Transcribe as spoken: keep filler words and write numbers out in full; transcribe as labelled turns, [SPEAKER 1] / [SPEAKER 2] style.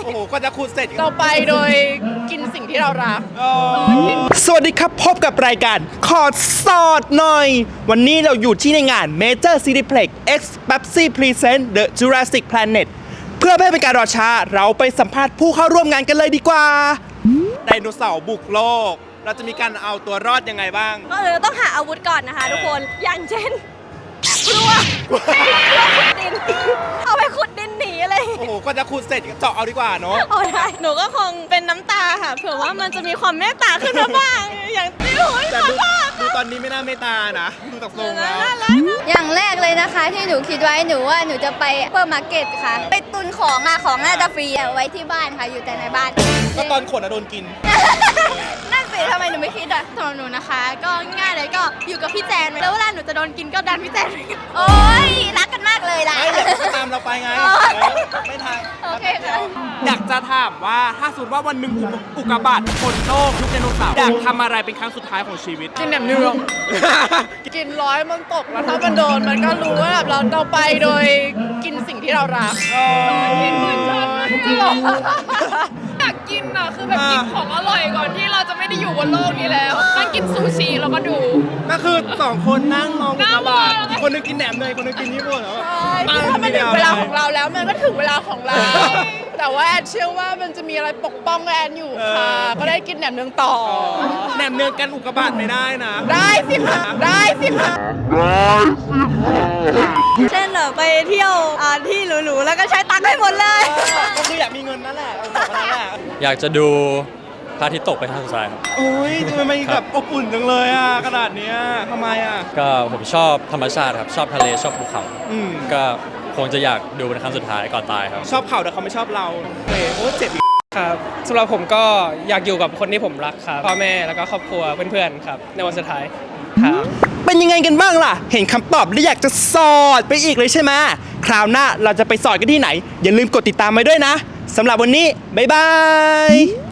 [SPEAKER 1] โอ้โหก็จะคูดเสร็จ
[SPEAKER 2] เราไปโดยกินสิ่งที่เรารัก
[SPEAKER 1] สวัสดีครับพบกับรายการขอสอดหน่อย วันนี้เราอยู่ที่ในงาน Major Cineplex X Pepsi Present The Jurassic Planet เพื่อไม่ให้เป็นการรอช้าเราไปสัมภาษณ์ผู้เข้าร่วมงานกันเลยดีกว่าไดโนเสาร์บุกโลก เราจะมีการเอาตัวรอดยังไงบ้าง
[SPEAKER 3] ก็เลยต้องหาอาวุธก่อนนะคะทุกคน อย่างเช่นกลัวดินเอาไปขุดดินหนีอะไร
[SPEAKER 1] โอ้โหก็จะคูดเสร็จเจาะเอาดีกว่าเนาะ
[SPEAKER 3] โอ้ได้หนูก็คงเป็นน้ำตาค่ะเผื่อว่ามันจะมีความเมตตาขึ้นมาบ้าง อย่างที่หนู
[SPEAKER 1] แต่ดูดูตอนนี้ไม่น่าเมตตานะดูจากทรงแล้ว
[SPEAKER 4] อย่างแรกเลยนะคะที่หนูคิดไว้หนูว่าหนูจะไปเปิดมาร์เก็ตค่ะ ไปตุนของอะของน่าจะฟรีเอาไว้ที่บ้านค่ะอยู่แต่ในบ้าน
[SPEAKER 1] ก็ตอนขนอะโดนกิน
[SPEAKER 4] นั่นสิทำไมหนูไม่คิดอะสำหรับหนูนะคะ ก็ง่ายเลยก็อยู่กับพี่แจนแล้วเวลาหนูจะโดนกินก็ดันพี่แจนโอ๊ยรักกันมากเลยล่ะ
[SPEAKER 1] ไม่เดี๋ยวตามเราไปไง
[SPEAKER 4] อ๋อ
[SPEAKER 1] เออไม่ทัน
[SPEAKER 4] โอเคค่ะ
[SPEAKER 1] อยากจะถามว่าถ้าสมมติว่าวันหนึ่งอุกกาบาตชนโลกยุคไดโนเสาร์อยากทำอะไรเป็นครั้งสุดท้ายของชีวิต
[SPEAKER 2] กินแหนมเนือง กินร้อยมันตกแล้วถ้ามันโดนมันก็รู้ว่าแบบเราเราไปโดยกินสิ่งที่เรารักกินเหมือนฉันอยากกินอ่ะคือแบบกินของอร่อยก่อนที่เราจะไม่ได้อยู่บนโลกนี้แล้วนั่งกินซูชิแล้วก็ดู
[SPEAKER 1] ก็คือสองคนนั่งมองอุกกาบาต
[SPEAKER 2] นั่งมอง
[SPEAKER 1] อีกคนหนึงกินแหนมเนยคนหนึงกินญี่ปุ่นเหรอ
[SPEAKER 2] ถ้ามันถึงเวลาของเราแล้วมันก็ถึงเวลาของเรา แต่ว่าแอนเชื่อว่ามันจะมีอะไรปกป้องแอนอยู่ค่ะ ก็ได้กินแหนมเนืองต่อ
[SPEAKER 1] แหนมเนืองกันอุกกาบาตไม่ได้นะ
[SPEAKER 2] ได้สิคะได้สิคะ
[SPEAKER 3] เช่นแบบไปเที่ยวอ่าที่หรูๆแล้วก็ใช้ตังค์ให้หมดเลย
[SPEAKER 1] ก็คืออยากมีเงินนั่นแหละเอาบอกว่านั่นแหละ
[SPEAKER 5] อยากจะดูพระอาทิตย์ตกเป็นครั้งสุดท้ายครับ
[SPEAKER 1] โอ้ยทำไมมันแบบอบอุ่นจังเลยอ่ะขนาดเนี้ยทำไมอ่ะ
[SPEAKER 5] ก็ผมชอบธรรมชาติครับ ชอบทะเลชอบภูเขา
[SPEAKER 1] อืม
[SPEAKER 5] ก็คงจะอยากดูเป็นครั้งสุดท้ายก่อนตายครับ
[SPEAKER 1] ชอบเขาแต่เขาไม่ชอบเราเฮ้ยโอ้เจ็บอีก
[SPEAKER 6] ครับสำหรับผมก็อยากอยู่กับคนที่ผมรักครับพ่อแม่แล้วก็ครอบครัวเพื่อนๆครับในวันสุดท้ายครับ
[SPEAKER 1] เป็นยังไงกันบ้างล่ะ เห็นคำตอบแล้วอยากจะสอดไปอีกเลยใช่ไหมคราวหน้าเราจะไปสอดกันที่ไหน อย่าลืมกดติดตามไว้ด้วยนะสำหรับวันนี้บ๊ายบาย